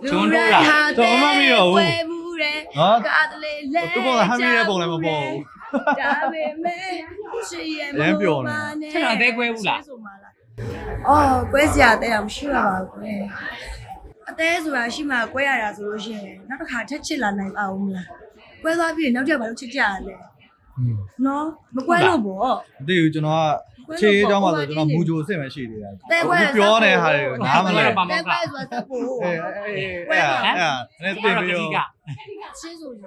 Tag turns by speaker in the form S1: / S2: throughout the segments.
S1: ဂျွန်းတို့လား
S2: တော့မမီတော့ဘူး
S3: ကားတလေလဲ
S2: သူကဟမ်းမီတဲ့ပုံလည်းမပေါ်ဘူး
S3: ဒါပေမဲ့ရှေ့ရဲ့
S1: ချက်တော့အသေးကွဲဘူးလား
S3: အော်ကွဲစရာတဲ့အောင်ရှိပါပါကွယ်အသေးဆိုတာရှိမှကွဲရတာဆိုလို့ရှိရင်နောက်တစ်ခါထက်ချစ်လာနိုင်ပါဦးမလားကွဲသွားပြီးနောက်တစ်ခါဘာလို့ချစ်ကြရလဲနော်မကွဲလို့ပေါ့
S2: မသိဘူးကျွန်တော်ကခြေအကြောင်းပါဆိုကျွန်တော်မူဂျိုအစ်စ်ပဲရှိသေးတယ်ပြောနေတဲ့ဟာတွေကိုနားမလဲ
S3: ကွဲဆိုတာသဖို့
S2: အေးအဲ့တင်ပြီးတော့
S3: ရှင်းဆိုရင်
S1: ဘ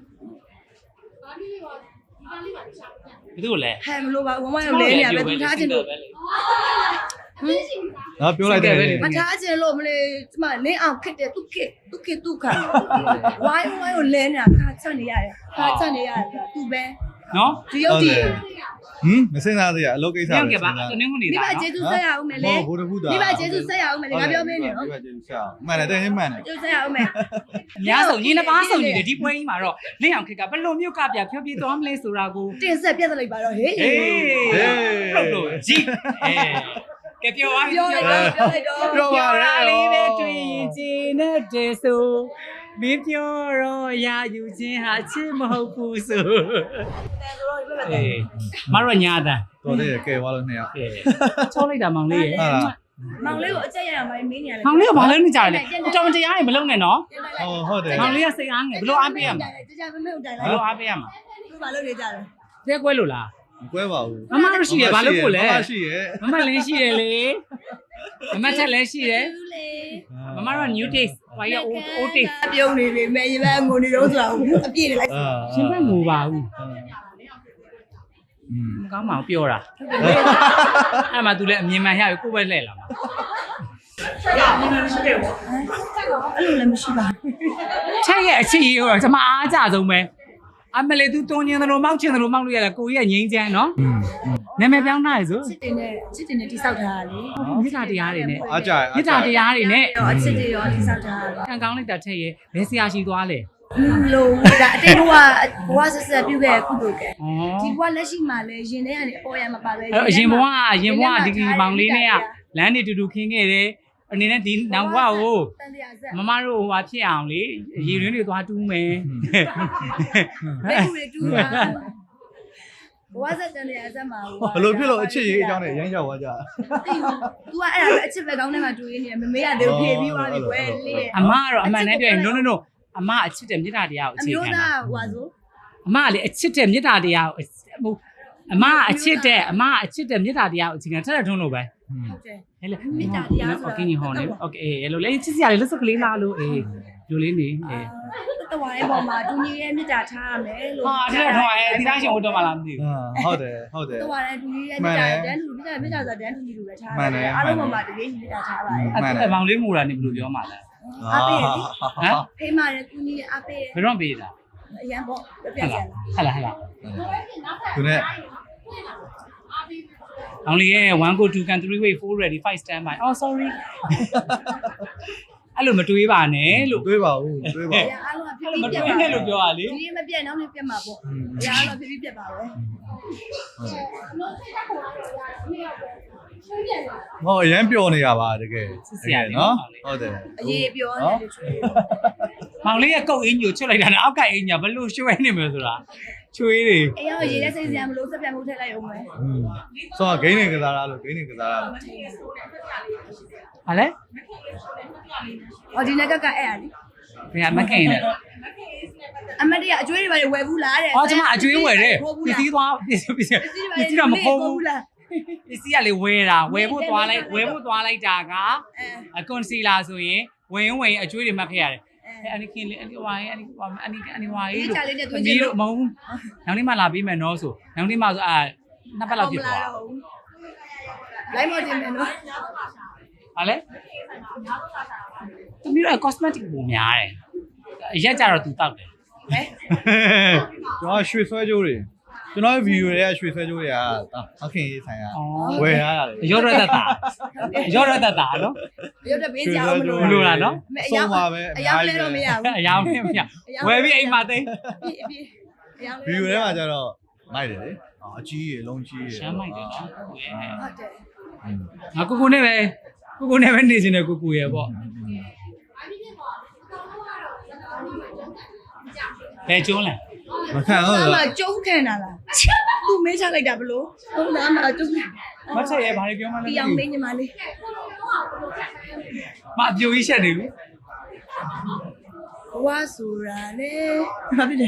S1: ယ်သူလဲ
S3: ဟဲ့မလို့ပါဝမ်းဝမ်းရောလဲနေရပဲသူထားခြင်းလို့
S2: နော်ပြောလိုက်တယ်
S3: မထားခြင်းလို့မလေးကျမလင်းအောင်ခက်တယ်သူခက်သူခါဝိုင်းကိုလဲနေတာခါချက်နေရတယ်ခါချက်နေရတယ်သူပဲ
S1: နော်
S3: ဒီရုပ်တည်
S2: မစင်စားသေးရအလုပ်ကိစ္စ
S1: ညောင်ကပါတနင်္ဂနွေ
S3: မိ
S1: သား
S3: ဘကျေးဇူးဆက်ရအောင်မယ်လေ
S2: ဘုဒ္ဓဘုဒ္ဓ
S3: မိဘကျေးဇူးဆက်ရအောင်မယ်လေငါပြောမင်းနေနော်
S2: မိဘကျေးဇူးဆက်အောင်မှန်တယ်တဲ့မှန်တယ်
S3: ကျေးဇူးဆက်ရအောင်မယ်
S1: အများဆုံးညီနှစ်ပါးဆုံးညီတယ်ဒီပွဲကြီးမှာတော့လင်းအောင်ခက်ကဘယ်လိုမျိုးကပြဖြောပြသွားမလဲဆိုတာကို
S3: တင်ဆက်ပြတ်လိုက်ပါတော့ဟေး
S1: ဟုတ်လို့ကြည့်ကဲပြောပါ
S3: ပြောလိုက်တော့
S2: ပြောပါရ
S1: လေးပဲတွေ့ရင်ကျင်းတဲ့တေဆိုမင်းပြောတော့ရာယူခြင်းဟာချစ်မဟုတ်ဘူးဆိုအေးမရညာတာ
S2: တော်တယ်ကဲသွားလို့နှစ်ယောက်
S1: ချောလိုက်တာမောင်လေးရေ
S2: ဟာ
S3: မောင်လေးကိုအကျက်ရအောင်မင်းနေရတယ်
S1: မောင်လေးကဘာလို့နေကြလဲတော်မတရားရင်မလုပ်နဲ့နော်
S2: ဟုတ်တယ်
S1: မောင်လေးကစိတ်အားငယ်ဘလို့အားပေးရမှာ
S3: ကြမမေ့တိုင်
S1: ဘ
S3: လိုက်
S1: လို့အားပေးရမှာ
S3: သူဘာလုပ်နေကြလဲ
S1: တဲကွဲလို့လား
S2: မကွဲပါဘူး
S1: မမတို့ရှိရဘာလို့ကိုလဲ
S2: ရှိရ
S1: မမလည်းရှိရလေမမချက်လည်းရှိတယ်
S3: ဘူးလေ
S1: မမတို့ new taste ဘာရ old taste
S3: ပြုံးနေပြီမယ်ရပန်းငိုနေတော့ဆိုတာအပြည့်နေလိုက်
S1: ရှင်ဘက်ငိုပါဘူး
S2: อืม
S1: မကောင်းပါဘူးပြောတာအဲ့မှာ तू လည်းအမြင်မှန်ရပြီကိုယ်ပဲလှည့်လာမှာ
S3: အဲ့လိုလည်းမရှိပါဘူး
S1: ချက်ရဲ့အချစ်ရေးတော့ကျွန်မအားကြဆုံးပဲအမလေး तू တုံညင်းသလိုမောက်ချင်သလိုမောက်လို့ရတာကိုကြီးကငိမ့်ချမ်းနော်နာမည်ပြောင်းထားရဆို
S3: ချစ်တင်နဲ့တိဆောက်ထားတာလေ
S1: မြစ်တာတရားတွေနဲ့
S2: အားကြ
S1: မြစ်တာတရားတွေနဲ့
S3: တော့အချစ်တွေရောတိဆောက်ထားတာ
S1: ခံကောင်းလိုက်တာချက်ရဲ့ဘယ်ဆရာရှိသွားလဲ
S3: လို့ဒါအတိတ်ဘဝဆက်ဆက်ပြုခဲ့ကုသိုလ်ကဲ
S1: ဩ
S3: ဒီဘဝလက်ရှိမှာလဲရင်ထဲကနေအပေါ်ရမှာပါပဲ
S1: အဲ့အရင်ဘဝဒီမောင်လေးနဲ့ကလမ်းနေတူတူခင်းခဲ့တယ်အနေနဲ့ဒီနောက်ဘဝကို
S3: တန်တရားဆက်
S1: မမတို့ဟိုဟာဖြစ်အောင်လေရေရင်းတွေသွားတူးမယ်
S3: ဘယ်ကူတွေတူတာဘဝဆက်တန်တရားဆက်မှာ
S2: ဘလို့ဖြစ်လို့အချစ်ရေးအကြောင်းနဲ့ရမ်းရောက်သွားကြ
S3: သိဘူး तू ကအဲ့ဒါပဲအချစ်ပဲကောင်းတဲ့မှာတူရင်းနေမမေးရတယ်ဖြေပြီးသွားပြီကွယ်လေး
S1: အမကတော့အမှန်တည်းပြောရင် no အမအချစ်တဲ့မေတ္တာတရားကို
S3: အ
S1: အခြေ
S3: မျိုး
S1: ခံတာ
S3: သားဟွာဆို
S1: အမကလေအချစ်တဲ့မေတ္တာတရားကိုဟိုအမအချစ်တဲ့မေတ္တာတရားကိုအခြေခံထက်တဲ့ထုံးလို့ပဲ
S3: ဟုတ်တယ်
S1: ဟဲ့လေ
S3: မေတ္တာတရားဆိုတာ
S1: โอเคညီဟောနေโอเคအဲ့လိုလေချစ်စရာလေးလက်စကလေးလားလို့အေးလူလေးနေအေး
S3: တဝါရဲ့ပေါ်မှာတူညီရဲ့မေတ္တာထားရမယ်လို့
S1: ဟာတဲ့တော့ဒီသားရှင်ဟိုတော့မလားမသိဘူး
S2: ဟုတ်တယ်
S3: တဝါရဲ့တူညီရဲ့မေတ္တာတန်းတူမေတ္တာဆိုတာတန်းတူညီလိုပဲထားရတယ်အားလုံးပေါ်မှာတကယ်ကြီးမေတ္တာထားပါတယ်
S1: အဲ့မောင်လေးငိုတာနေဘယ်လိုပြောမှလဲ
S3: အားပေးရ
S1: ဟမ်
S3: ဖေးမာတဲ့တူညီရဲ့အားပေး
S1: ဘယ်တော့ပေးတာ
S3: အရန်ပေါ့ပြပြ
S1: ဟဲ့
S3: ချ
S1: လား
S3: င်
S1: ဟဲ့လား
S2: သူနဲ့
S1: အောင်လေးရဲ့1 go 2 can 3 way 4 ready 5 stand by oh sorry အဲ့လိုမတွေးပါနဲ့လို့
S2: တွေးပါဦးတွေးပါ
S3: အ
S2: ဦး
S3: ရာအားလုံးကဖြ
S1: အဲ့
S3: ည်း
S1: လိုမ
S3: ဖြည်း
S1: တွေး
S3: ပြတ်ပါ
S1: နဲ့လို့ပြောရလေ
S3: ဒီမပြတ်နောက်လည်းပြတ်မှာပေါ့အရာအားလုံးဖြည်းဖြည်းပြတ်ပါပဲ
S2: ဟောအရန်ပျော်နေရပါတကယ်နော်ဟုတ်တယ်
S3: အရေးပြောနေတယ်ချွေး
S1: မောင်လေးရဲ့ကုတ်အင်းကြီးကိုချွတ်လိုက်တာနဲ့အောက်ကအင်းကြီးဘယ်လိုရွှဲနေမလဲဆိုတာချွေးတွေ
S3: အရာရေးတဲ့စိတ်စရာမလို့စက်ပြတ်မှုထည့်လိုက်အောင်မယ်
S2: ဆိုတော့ဂိမ်းနေကစားရလို့ဂိမ်းနေကစားရလို့
S1: ဟာလဲ
S3: ဟောဒီနက်ကအဲ့ရလေ
S1: ဘယ်မခင်လဲ
S3: အမတ်တရအကျွေးတွေပါဝယ်ဘူးလားတဲ့
S1: အော်ကျွန်မအကျွေးဝယ်တယ်ပစ္စည်းသွားပစ္စည်းတော့မဟုတ်ဘူး
S3: လား
S1: ပစ္စည်းကလေဝယ်တာဝယ်ဖို့သွားလိုက်တာကအကွန်စီလာဆိုရင်ဝင်အကျွေးတွေမှတ်ခဲ့ရတယ်အနိခင်လေးအနိဝါရေးအနိဝါရေးလို့ပြီးတော့မဟုတ်နောက်နေ့မှလာပြီးမယ်နော်ဆိုနောက်နေ့မှဆိုနှစ်ပတ်လောက်ဖြစ်သွား
S3: လိုက်မတင်မယ်နော်
S1: ဟာလေသူမျိုးက cosmetic ပုံများတယ်အရက်ကြတော့သူတောက်တယ်
S3: ဟဲ့
S2: ကျွန်တော်ရွှေဆွဲကြိုးတွေကျွန်တော်ဗီဒီယိုတွေကရွှေဆွဲကြိုးတွေကအခင်ရေးဆိုင်ရဝယ်ရတယ်
S1: ရောရတတာနော်
S3: ရုပ်တပေးကြအောင်မလို့
S1: မလို့လားနော်
S3: အယောင်အယောင်လဲတော့မရဘူး
S1: အယောင်မရဝယ်ပြီးအိမ်မှာသိ
S3: အယောင်
S2: ဗီဒီယိုထဲမှာကျတော့မိုက်တယ်လေအကြီးရေလုံးကြီးရေ
S1: ရှမ်းမိုက်တယ်နော်
S3: ဟုတ်တယ်
S1: ငါကိုနဲ့ပဲနေစင်းတဲ့ကိုရဲ့ပေါ့ဘယ်ကျုံးလဲ
S2: မခံတော့
S3: အဲ့မှာကျုံးခံတာလားသူမေးချလိုက်တာဘလို့ဟုတ်လားမှာကျုံး
S1: မတ်ချက်ရဲ့ဘာတွေပြောမှလဲ
S3: ပြောင်းလေးညီမလေး
S1: မအပြိုကြီးရှက်နေပြီ
S3: ဘဝဆိုတာလေဘာဖြစ်လဲ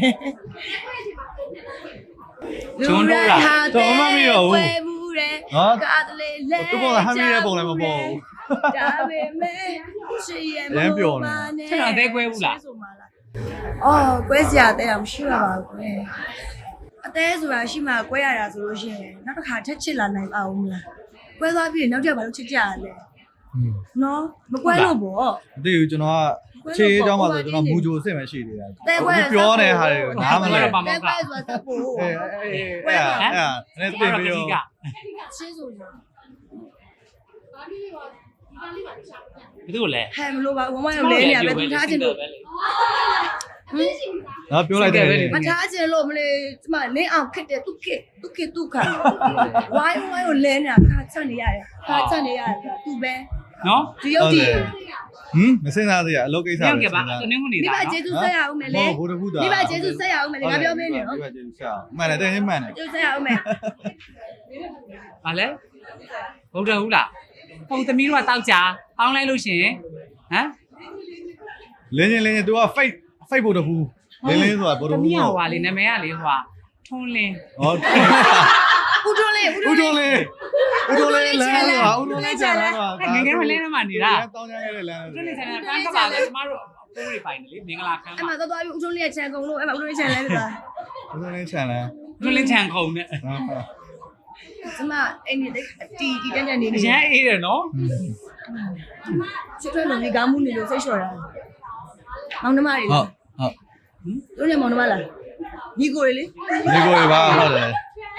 S1: ကျုံးတော့လား
S2: တော့မမီတော့ဘူး
S3: ဘူးတဲ့
S2: နော်
S3: ကားတလေးလဲ
S2: သူပေါ်ကဟမ်းမီတဲ့ပုံလည်းမပေါ်ဘူး
S3: ဒါပေမဲ့ရှိရမ
S2: ရမ်းပျော်နေ
S1: ချက်တော့အသေးကွဲဘူးလား
S3: အော်ကွဲစရာတဲ့တော့မရှိပါဘူးကွယ်အသေးဆိုတာရှိမှကွဲရတာဆိုလို့ရှိရင်နောက်တစ်ခါထက်ချစ်လာနိုင်ပါဦးမလားကွဲသွားပြီးနောက်တစ်ခါဘာလို့ချစ်ကြရလဲနော်မကွဲလို့ပေါ့
S2: မသိဘူးကျွန်တော်ကခြေအကြောင်းပါဆိုကျွန်တော်မူဂျိုအစ်စ်ပဲရှိသေးတယ်ပြောနေတဲ့ဟာတွေကိုနားမလဲ
S3: တဲ့ကွဲဆိုတာသက်ဖို့
S2: အဲ့နည်းတင်ပြီးတော့
S3: ချင်းဆိုရင်
S1: ဘယ်သူလဲ
S3: ဟဲ့မလို့ပါဝမရောလဲနေရပဲသူထားချင်လို့
S2: နော်ပြောလိုက်တယ်
S3: မထားချင်လို့မလေးကျမလင်းအောင်ခက်တယ်သူခက်သူခါဝိုင်းကိုလဲနေတာခါချက်နေရတယ်ခါချက်နေရတယ်သူပဲ
S1: နော်
S3: ဒီရုပ်တည်
S2: မစင်စားသေးရအလုပ်ကိစ္စ
S1: ပြော
S2: ပဲ
S1: င်းခဲ့ပါတနင်္ဂနွေ
S3: မိ
S1: တာ
S3: ဘကျေးဇူးဆက်ရအောင်မယ်လေ
S2: ဘုဒ္ဓဘုရား
S3: မိဘကျေးဇူးဆက်ရအောင်မယ်လေငါပြောမင်းနေနော်
S2: မိဘကျေးဇူးဆက်အောင်မှန်တယ်တဲ့မှန်တယ်
S3: ကျေးဇူးဆက်ရအောင်မယ်
S1: ဘာလဲဘုဒ္ဓဟုတ်လားပုံသမီးတို့ကတောက်ကြပေါင်းလိုက်လို့ရှင်ဟမ်
S2: လင်းချင်း तू က fake ဘုဒ္ဓဘူးလင်းဆိုတာဘုဒ္ဓ
S1: သမီး
S2: ဘူး
S1: ဟိုဟာလေနာမည်ကလေဟိုဟာထွန်းလင်း
S2: ဟော
S3: ဦးတွန်းလေး
S2: ဦးတော်လေးလမ်းဆိုတာဦးတော်လေးချန်လမ်းဆိုတာ
S1: ငယ်ငယ်မလဲမှာနေတာ
S2: တောင်းကြခဲ့တဲ့လမ်း
S1: တွန်းလင်းချန်ကပန်းကပါလေကျမတို့ပိုးတွေပိုင်တယ်လေမင်္ဂလာခမ်း
S3: အဲ့
S1: မှာ
S3: မှာသွားပြီးဦးတွန်းလေးရဲ့ခြံကုန်လို့အဲ့မှာဦးတွန်းလေးခြံလဲပြီလား
S2: ဦးတော်လေးချန်လမ်း
S1: တွန်းလင်းချန်ခုံနဲ့
S3: ကျမအဲ့ဒီတီတန်းတန်းနေ
S1: အ
S3: နေ
S1: ရန်အေးတယ်နော်
S3: ချစ်ထွေးလုံးကြီးကောင်းမှုနေလို့စိတ်လျှော်တာမောင်နှမတွေ
S2: ဟုတ်
S3: တို့လည်းမောင်နှမလားညီကိုတွေလေ
S2: ဒီကိုပါဟုတ်တယ်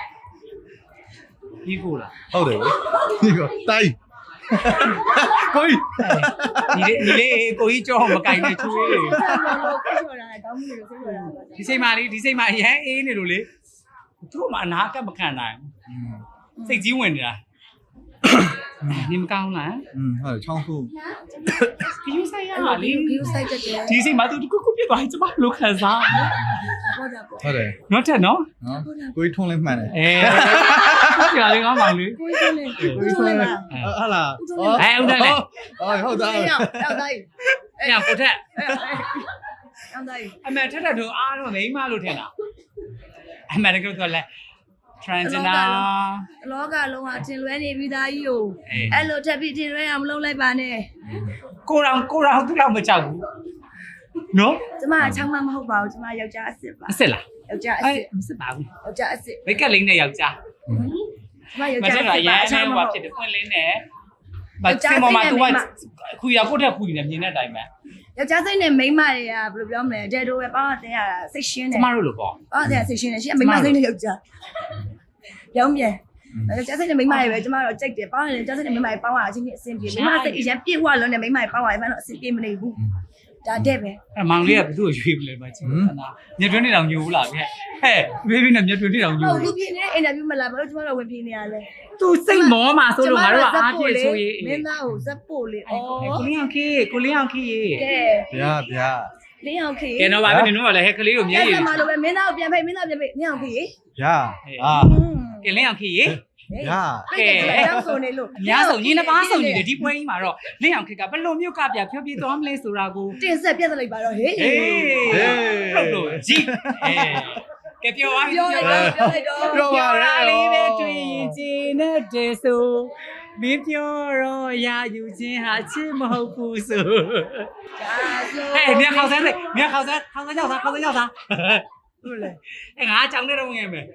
S1: ဒီကိုလား
S2: ဟုတ်တယ်ဒီကိုတိုင်းကိုကြီး
S1: ဒီလေးကိုကြီးကြောမကင်နဲ့ချွေးလေ
S3: စိတ်လျှော်တာကောင်းမှုနေလို့စိတ်လျှော်တာ
S1: ဒီစိတ်မလေးဒီစိတ်မအရန်အေးနေလို့လေသူ့မှာအနာကမခံနိုင်စိတ်ကြီးဝင်နေတာနေမကောင်းလား
S2: ဟုတ်ချောင်းခု
S1: ခယူဆိုင်ရလေ
S3: ခီးဆိုင်တက်တယ်
S1: ဒီစိတ်မသူတခုခုပြစ်သွားရင်ကျမလို့ခံစား
S3: ဟုတ်တာပေါ့
S2: ဟုတ်တယ်
S1: နော်တက်နော်
S2: နော်ကိုကြီးထုံးလေးမှန်တယ်
S1: ကြာလေးကောင်းပါလေ
S3: ကိုကြီးလေးကိုကြီးလေးပါ
S2: ဟုတ်လား
S1: ဟုတ်တယ်လေ
S2: ဟုတ်တာ
S3: ရောက်တိုင်း
S1: အဲ့ဒါကိုထက်
S3: ရောက်တိုင်း
S1: အမေထက်တဲ့တို့အားတော့မိမလို့ထင်တာအမေကတော့လဲ transgender
S3: လောကလုံးဟာတင်လွဲနေပြီးသားကြီးကိုအဲ့လိုထပ်ပြီးတင်လွဲအောင်မလုပ်လိုက်ပါနဲ့
S1: ကိုရောင်သူ့လောက်မကြောက်ဘူးနော်
S3: ကျမအချောင်းမမဟုတ်ပါဘူးကျမယောက်ျားအစ်စ်ပါ
S1: အစ်စ်လား
S3: ယောက်ျားအစ်
S1: အဲ့
S3: စ်
S1: မစစ်ပါဘူး
S3: ယောက်ျားအစ်စ်
S1: ဘိတ်ကက်လေးနဲ့ယောက်ျား
S3: ကျမယောက်
S1: မ
S3: ျား
S1: ထ
S3: အ
S1: က်
S3: စ်
S1: တော့
S3: စ်
S1: ရ
S3: ပါ
S1: န်
S3: အချောင်းမဟုတ်
S1: ဟိုဖြစ်တယ်ပွင့်လင်းနဲ့ဗတ်စင်ပေါ်မှာသူကခုရကိုထက်ခုနေမြင်တဲ့အတိုင်းပဲ
S3: ယောက်ျားစိတ်နဲ့မိန်းမတွေကဘယ်လိုပြောမလဲဒဲတိုပဲပေါင်းတင်ရတာစိတ်ရှင်းတယ်
S1: ကျမတို့လိုပေါ့
S3: ပေါင်းတင်ရစိတ်ရှင်းတယ်ရှင်းမိန်းမစိတ်နဲ့ယောက်ျားပြောင်းပြန်ယောက်ျားစိတ်နဲ့မိန်းမတွေပဲကျမတို့ကြိုက်တယ်ပေါင်းရင်ယောက်ျားစိတ်နဲ့မိန်းမတွေပေါင်းရအချင်းချင်းအဆင်ပြေမိန်းမစိတ်အရင်ပြည့်ဝလုံးနဲ့မိန်းမတွေပေါင်းရရင်တော့အဆင်ပြေမနေဘူးဒါတဲ့ပဲ
S1: အဲ့မောင်လေးကဘသူ့ကိုရွေးပလဲမချင်းညတွင်းနေတောင်ညိုဘူးလားဗျဟဲ့ဘေဘီနဲ့ညတွင်းနေတောင်ညို
S3: ဟုတ်လူပြင်းနေအင်တာဗျူးမလားဘာလို့ကျမတို့ဝင်ပြင်းနေရလဲ
S1: သူစိတ်မောမှာဆိုလို့ငါတို့ကအားပြည့်ဆိုရေး
S3: မင်းသားကိုဇက်ပို့လေဩ
S1: ကိုလေးအောင်ခေကိုလေးအောင်ခေ
S3: ကဲ
S2: ဗျာဗျာ
S3: လင်းအောင်ခေ
S1: ကဲတော့ဗာပဲနေတော့လည်းဟဲ့ကလေးကိုမြဲရည်
S3: ဆက်မှာလို့ပဲမင်းသားကိုပြန်ဖိတ်မင်းသားပြန်ဖိတ်လင်းအောင်ခေ
S2: ဗျာအာ
S1: ကဲလင်းအောင်ခေရေ
S2: ဗျာ
S3: ကဲတောက်ဆိုနေလို့
S1: အများဆုံးညီနှစ်ပါးဆုံးညီတယ်ဒီပွဲကြီးမှာတော့လင်းအောင်ခေကဘယ်လိုမျိုးကပြဖြောပြေးသွားမလဲဆိုတာကို
S3: တင်ဆက်ပြတ်လိုက်ပါတော့ဟေး
S1: ဟေးဟုတ်လို့ကြည့်ကဲပြောပါ
S3: ပြောလိုက်တော့ပြောလိုက်တော့
S2: ပြောပါရ
S1: လေးပဲတွေ့ရင်ကျင်းတဲ့ဆိုမင်းပြောတော့ရာယူခြင်းဟာချစ်မဟုတ်ဘူးဆို ဟဲ့မြန်ခေါက်စမ်းလေမြန်ခေါက်စမ်းရောက်စားဟုတ်လေအဲ့ငါကြောင်နေတော့ဝင်ရမယ်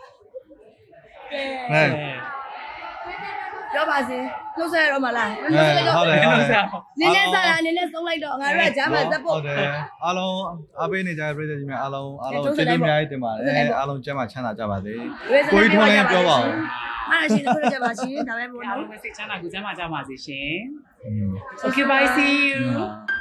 S2: ဟဲ့
S3: ပြောပါစေလှုပ်ဆက်ရတော့မလား
S2: ဟုတ်တယ်ဟုတ်တယ်
S3: နင်းနဲ့စားတာနင်းနဲ့ဆုံးလိုက်တော့ငါတို့ကဂျာမန်ဇက်ပို့
S2: ဟုတ်တယ်အားလုံးအားပေးနေကြတဲ့ပြည်သူကြီးများအားလုံးကျေးဇူးအများကြီးတင်ပါတယ်အားလုံးကျမ်းမာချမ်းသာကြပါစေကိုကြီးထွန်းလင်းပြောပါဦး
S3: အားရှိတယ်ပြောကြပါရှင်ဒါပဲပေါ့
S1: အား
S3: နော်
S1: လုံးပဲစိတ်ချမ်းသာကိုကျမ်းမာကြပါစေရှင် Okay bye see you